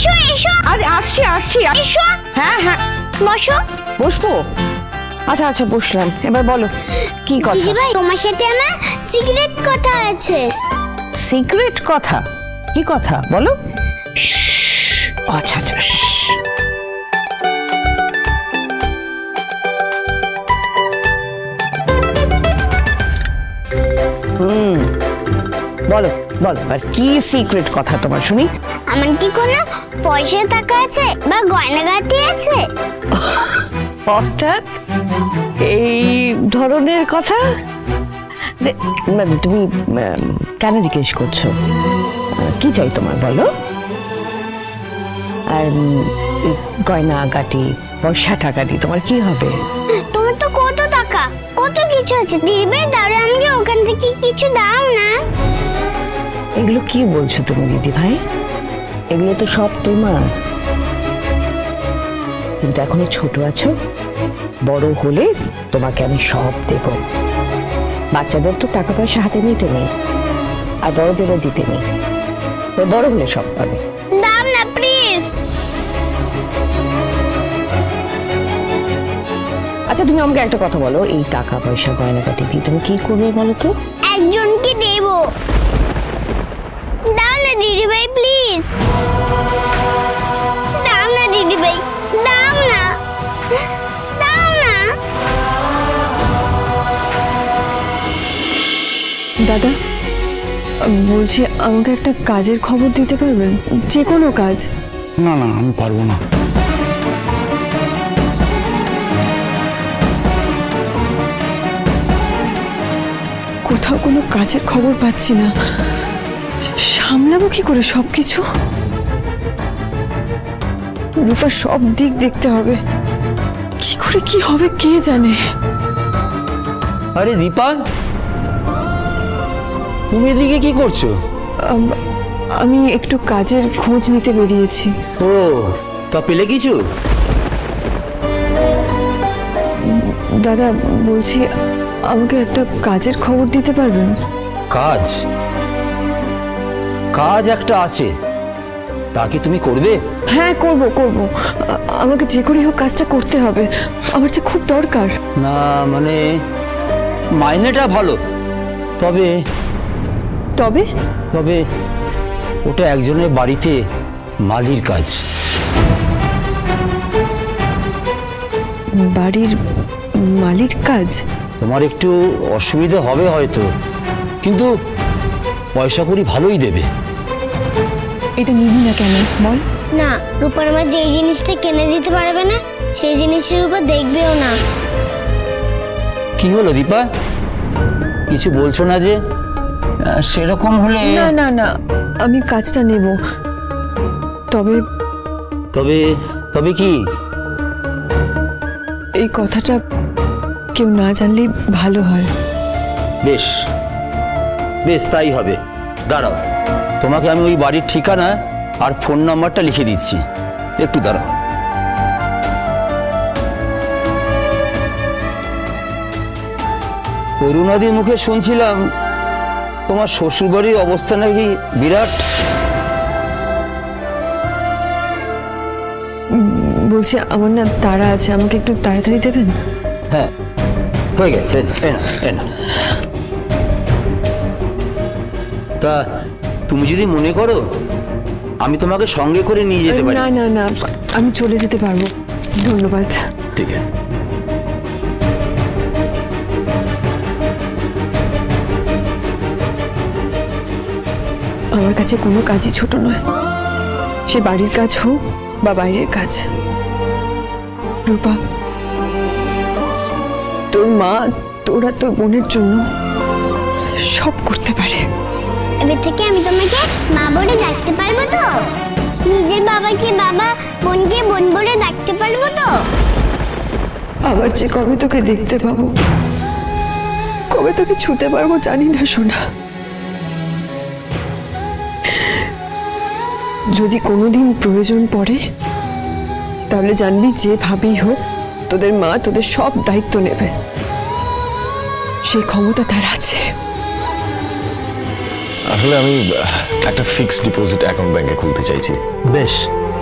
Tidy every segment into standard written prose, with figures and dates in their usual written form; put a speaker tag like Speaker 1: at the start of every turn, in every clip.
Speaker 1: এসো এসো।
Speaker 2: আরে আসছি আসছি।
Speaker 1: এসো।
Speaker 2: হ্যাঁ হ্যাঁ
Speaker 1: বসো।
Speaker 2: বসবো? আচ্ছা আচ্ছা বসলাম, এবার বলো কি কথা?
Speaker 1: দিদি ভাই, তোমার সাথে আমার সিক্রেট কথা আছে।
Speaker 2: সিক্রেট কথা? কি কথা বলো? আচ্ছা আচ্ছা। বলো বলো, আর কি সিক্রেট কথা তোমার শুনি?
Speaker 1: আমার কি কোনো পয়সা টাকা আছে বা গয়নাগাটি আছে?
Speaker 2: হঠাৎ এই ধরনের কথা? তুমি কেন জিজ্ঞেস করছো? কি চাই তোমার বলো? আর গয়না গাটি পয়সা টাকা দিয়ে তোমার কি হবে?
Speaker 1: তোমার তো কত টাকা কত কিছু আছে, দিদি ভাই দাঁড়ে আমাকে ওখান থেকে কিছু দাও না।
Speaker 2: এগুলো কি বলছো তুমি দিদি ভাই? এগুলো তো সব তোমার, কিন্তু এখনো ছোট আছো। বড় হলে তোমাকে আমি সব দেব। বাচ্চাদের তো টাকা পয়সা হাতে নিতে নেই, আর বড়দেরও দিতে নেই। বড় হলে সব পাবে।
Speaker 1: দাও না প্লিজ।
Speaker 2: আচ্ছা তুমি আমাকে একটা কথা বলো, এই টাকা পয়সা গয়নাগাটি দিয়ে তুমি কি করবে বলো তো?
Speaker 1: একজনকে দেব। দাও না দিদি ভাই প্লিজ। দাও না দিদি ভাই, দাও না, দাও না।
Speaker 3: দাদা বলছি, আমাকে একটা কাজের খবর দিতে পারবেন? যে কোনো কাজ।
Speaker 4: না না, আমি পারবো না।
Speaker 3: কোথাও কোনো কাজের খবর পাচ্ছি না, সামলাবো কি করে সবকিছু? রূপার সব দিক দেখতে হবে, কি করে কি হবে কে জানে।
Speaker 5: আরে দীপা, তুমি এদিকে কি করছো?
Speaker 3: আমি একটু কাজের খোঁজ নিতে বেরিয়েছি।
Speaker 5: ও, তা পেলে কিছু?
Speaker 3: দাদা বলছি, আমাকে একটা কাজের খবর দিতে পারবেন?
Speaker 5: কাজ? কাজ একটা আছে, তা কি তুমি করবে?
Speaker 3: হ্যাঁ করব করব, আমাকে যে করেই হোক কাজটা করতে হবে, আমার যে খুব দরকার।
Speaker 5: না মানে মাইনেটা ভালো, তবে
Speaker 3: তবে
Speaker 5: তবে ওটা একজনের বাড়িতে মালির কাজ।
Speaker 3: বাড়ির মালির কাজ?
Speaker 5: তোমার একটু অসুবিধা হবে হয়তো, কিন্তু পয়সা কড়ি ভালোই দেবে।
Speaker 3: এটা নিবি না কেন বল?
Speaker 1: না, রূপার মা যেই জিনিসটা কিনে দিতে পারবে না সেই জিনিসের উপর দেখবেও না।
Speaker 5: কি হলো দীপা, কিছু বলছো না যে? সেরকম হলে
Speaker 3: না না না, আমি কাজটা নেব, তবে
Speaker 5: তবে তবে কি?
Speaker 3: এই কথাটা কেউ না জানলেই ভালো হয়।
Speaker 5: বেশ বেশ, তাই হবে। দাঁড়াও, তোমাকে আমি ওই বাড়ির ঠিকানা আর ফোন নাম্বারটা লিখে দিচ্ছি, একটু দাঁড়াও। অরুণাদির মুখে শুনছিলাম তোমার শ্বশুরবাড়ির অবস্থা নাকি বিরাট।
Speaker 3: বলছি আমার না তাড়া আছে, আমাকে একটু তাড়াতাড়ি দেবেন?
Speaker 5: হ্যাঁ হয়ে গেছে, এনা। তা তুমি যদি মনে করো আমি তোমাকে সঙ্গে করে নিয়ে যেতে পারি।
Speaker 3: না না না, আমি চলে যেতে পারবো, ধন্যবাদ।
Speaker 5: ঠিক আছে।
Speaker 3: আমার কাছে কোনো কাজই ছোট নয়, সে বাড়ির কাজ হোক বা বাইরের কাজ। রূপা, তোর মা তোরা তোর বোনের জন্য সব করতে পারে।
Speaker 1: এবার থেকে আমি তোমাকে মা বলে ডাকতে পারবো তো? নিজের বাবাকে বাবা, বোনকে বোন বলে ডাকতে পারবো তো?
Speaker 3: আবার যে কবে তোকে দেখতে পাবো, কবে তোকে ছুতে পারবো জানি না সোনা। যদি কোনোদিন প্রয়োজন পড়ে তাহলে জানবি যে ভাবেই হোক তোদের মা তোদের সব দায়িত্ব নেবে, সেই ক্ষমতা তার আছে।
Speaker 4: আসলে আমি একটা ফিক্সড ডিপোজিট অ্যাকাউন্ট ব্যাংকে খুলতে চাইছি।
Speaker 5: বেশ,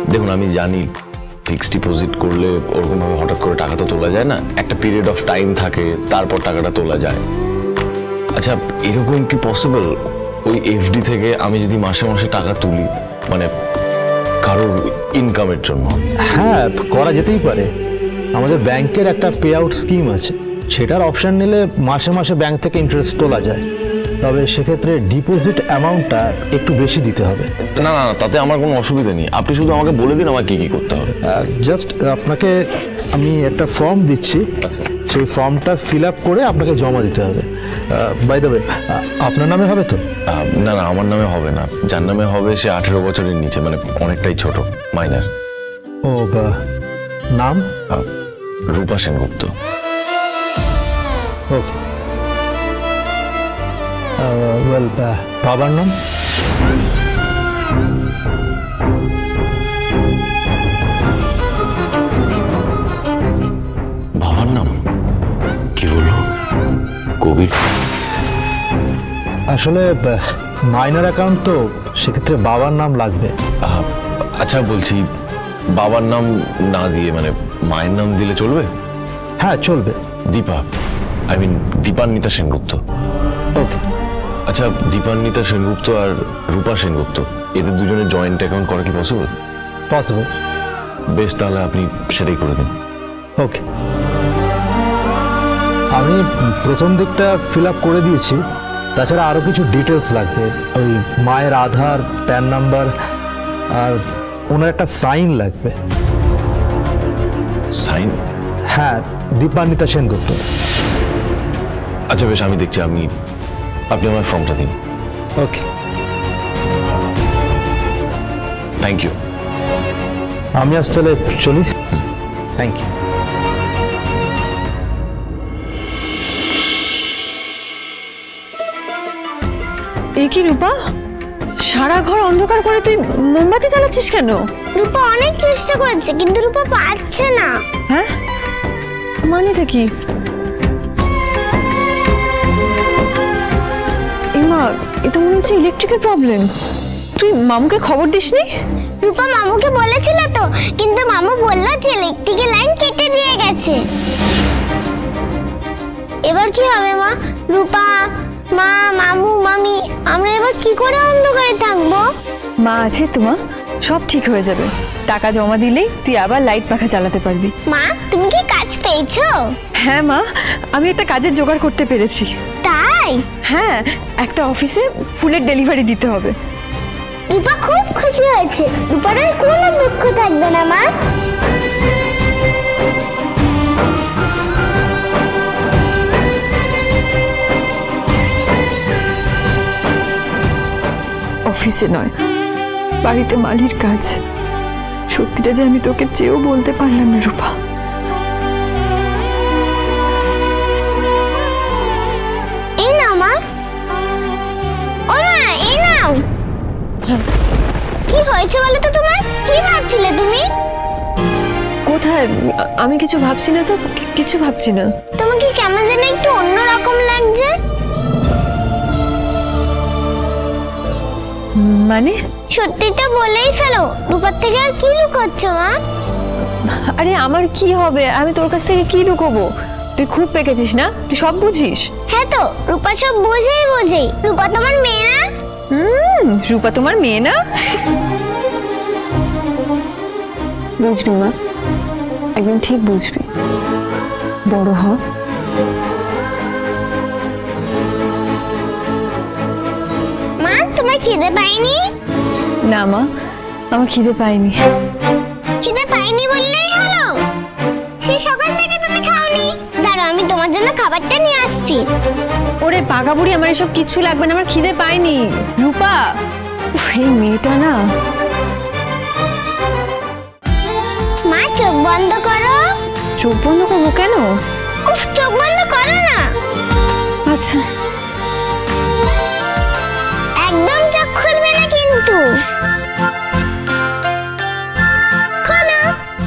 Speaker 6: দেখুন আমি জানি ফিক্সড ডিপোজিট করলে ওরকমভাবে হঠাৎ করে টাকা তো তোলা যায় না, একটা পিরিয়ড অফ টাইম থাকে, তারপর টাকাটা তোলা যায়। আচ্ছা এরকম কি পসিবল ওই এফডি থেকে আমি যদি মাসে মাসে টাকা তুলি, মানে কারোর ইনকামের জন্য?
Speaker 7: হ্যাঁ, করা যেতেই পারে। আমাদের ব্যাংকের একটা পে আউট স্কিম আছে, সেটার অপশন নিলে মাসে মাসে ব্যাংক থেকে ইন্টারেস্ট তোলা যায়। তবে সেক্ষেত্রে ডিপোজিট অ্যামাউন্টটা একটু বেশি দিতে হবে।
Speaker 6: না না না, তাতে আমার কোনো অসুবিধা নেই, আপনি শুধু আমাকে বলে দিন আমার কি কি করতে হবে।
Speaker 7: জাস্ট আপনাকে আমি একটা ফর্ম দিচ্ছি, সেই ফর্মটা ফিল আপ করে আপনাকে জমা দিতে হবে। বাই দ্য ওয়ে, আপনার নামে হবে তো?
Speaker 6: না না, আমার নামে হবে না, যার নামে হবে সে 18 বছরের নিচে, মানে অনেকটাই ছোট, মাইনার।
Speaker 7: ও বা, নাম?
Speaker 6: রূপা সেনগুপ্ত।
Speaker 7: ওকে। ওয়েল, বাবার নাম?
Speaker 6: বাবার নাম কি বললো? কবির।
Speaker 7: আসলে মাইনর অ্যাকাউন্ট তো, সেক্ষেত্রে বাবার নাম লাগবে।
Speaker 6: আচ্ছা বলছি, বাবার নাম না দিয়ে মানে মায়ের নাম দিলে চলবে?
Speaker 7: হ্যাঁ চলবে।
Speaker 6: Dipa, I mean Dipanwita Sengupta.
Speaker 7: Okay.
Speaker 6: আচ্ছা দীপান্বিতা সেনগুপ্ত আর রূপা সেনগুপ্ত, এদের দুজনের জয়েন্ট অ্যাকাউন্ট করা কি পসিবল?
Speaker 7: পসিবল।
Speaker 6: বেশ, তাহলে আপনি সেটাই করে দিন।
Speaker 7: ওকে, আমি প্রথম দিকটা ফিল আপ করে দিয়েছি। তাছাড়া আরও কিছু ডিটেলস লাগবে, ওই মায়ের আধার, প্যান নাম্বার, আর ওনার একটা সাইন লাগবে।
Speaker 6: সাইন?
Speaker 7: হ্যাঁ, দীপান্বিতা সেনগুপ্ত।
Speaker 6: আচ্ছা বেশ, আমি দেখছি, আপনি আমার ফর্মটা দিন।
Speaker 7: Okay,
Speaker 6: thank you.
Speaker 7: আমি আজ তাহলে চলি। Thank you.
Speaker 3: এ কি রূপা, সারা ঘর অন্ধকার করে তুই মোমবাতি জ্বালাচ্ছিস কেন?
Speaker 1: রূপা অনেক চেষ্টা করেছে কিন্তু রূপা পারছে না।
Speaker 3: হ্যাঁ, মানেটা কি? মা, এ তো মনে হচ্ছে ইলেকট্রিকের প্রবলেম। তুই মামুকে খবর দিসনি?
Speaker 1: রূপা মামুকে বলেছিল তো, কিন্তু মামু বললো যে ইলেকট্রিকের লাইন কেটে দিয়ে গেছে। এবার কি হবে মা? রূপা, মা, মামু, মামি, আমরা এবার কি করে অন্ধকারে থাকবো?
Speaker 3: মা আছে তো মা, সব ঠিক হয়ে যাবে। টাকা জমা দিলেই তুই আবার লাইট পাখা চালাতে পারবি।
Speaker 1: মা, তুমি কি কাজ পেয়েছো?
Speaker 3: হ্যাঁ মা, আমি একটা কাজের জোগাড় করতে পেরেছি।
Speaker 1: তাই?
Speaker 3: হ্যাঁ, একটা অফিসে ফুলের ডেলিভারি দিতে হবে।
Speaker 1: রূপা খুব খুশি হয়েছে। রূপার আর কোনো দুঃখ থাকবে না মা।
Speaker 3: অফিসে নয়, বাড়িতে মালির কাজ। সত্যিটা যে আমি তোকে চেয়েও বলতে পারলাম না রূপা।
Speaker 1: এই নাও মা। ও মা, এই নাও। কি হয়েছে বলো তো তোমার? কি ভাবছিলে তুমি?
Speaker 3: কোথায়? আমি কিছু ভাবছি না তো, কিছু ভাবছি না।
Speaker 1: তোমাকে কেমন যেন একটু অন্যরকম লাগছে।
Speaker 3: মানে?
Speaker 1: সত্যিটা বলেই ফেলো। রূপার থেকে আর কি লুকোচ্ছ মা?
Speaker 3: আরে আমার কি হবে, আমি তোর কাছ থেকে কি লুকোবো? তুই খুব পেকেছিস না, তুই সব বুঝিস।
Speaker 1: হ্যাঁ তো, রূপা সব বোঝেই। রূপা তোমার মেয়ে না?
Speaker 3: রূপা তোমার মেয়ে না? বুঝবি মা, একদিন ঠিক বুঝবি। বড় হ।
Speaker 1: মা, তোমার খিদে পায়নি?
Speaker 3: না মা, আমার খিদে পাইনি।
Speaker 1: খিদে পায়নি বললেই হলো? সে সকাল থেকে তুমি খাওনি। দাঁড়াও, আমি তোমার জন্য খাবারটা নিয়ে আসছি।
Speaker 3: ওরে পাকা বুড়ি, আমার এসব কিচ্ছু লাগবে না, আমার খিদে পাইনি। রূপা, উফ, এই মেয়েটা না।
Speaker 1: মা, চোখ বন্ধ করো।
Speaker 3: চোখ বন্ধ করবো কেন?
Speaker 1: উফ, চোখ বন্ধ করো না।
Speaker 3: আচ্ছা।
Speaker 1: একদম চোখ খুলবে না কিন্তু। খোলো।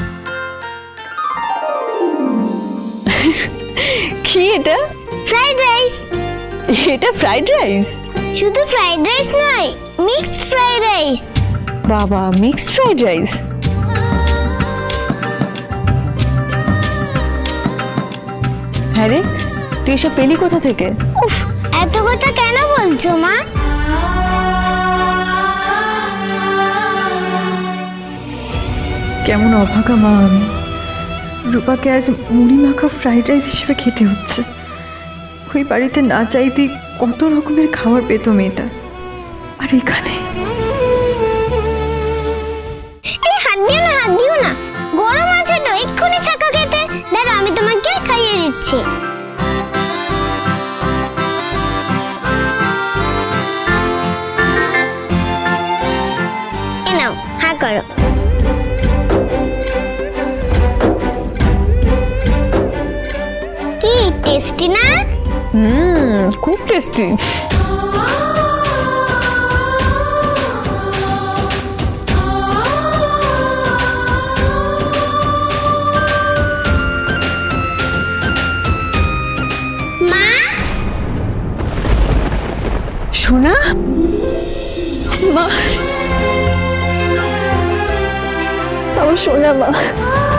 Speaker 3: কি এটা?
Speaker 1: Fried rice.
Speaker 3: এটা ফ্রাইড রাইস?
Speaker 1: শুধু ফ্রাইড রাইস নয়, মিক্সড ফ্রাইড রাইস।
Speaker 3: বাবা, মিক্সড ফ্রাইড রাইস? হ্যাঁ রে, তুই এসব পেলি কোথা থেকে?
Speaker 1: উফ, এত কথা কেন বলছো মা?
Speaker 8: কেমন অভাগা মা আমি। রূপাকে আজ মুড়ি মাখা ফ্রাইড রাইস হিসেবে খেতে হচ্ছে। ওই বাড়িতে না চাইতেই কত রকমের খাবার পেত মেয়েটা, আর এখানে
Speaker 1: এই হাত দিও না, হাত দিও না, গরম আছে তো, এক্ষুনি চাকা খেতে। দাঁড়া, আমি তোমাকে খাইয়ে দিচ্ছি। এ নাও, হা করো। কি টেস্টি না?
Speaker 3: খুব টেস্টি।
Speaker 1: মা,
Speaker 3: সোনা, মা, আমার সোনা মা।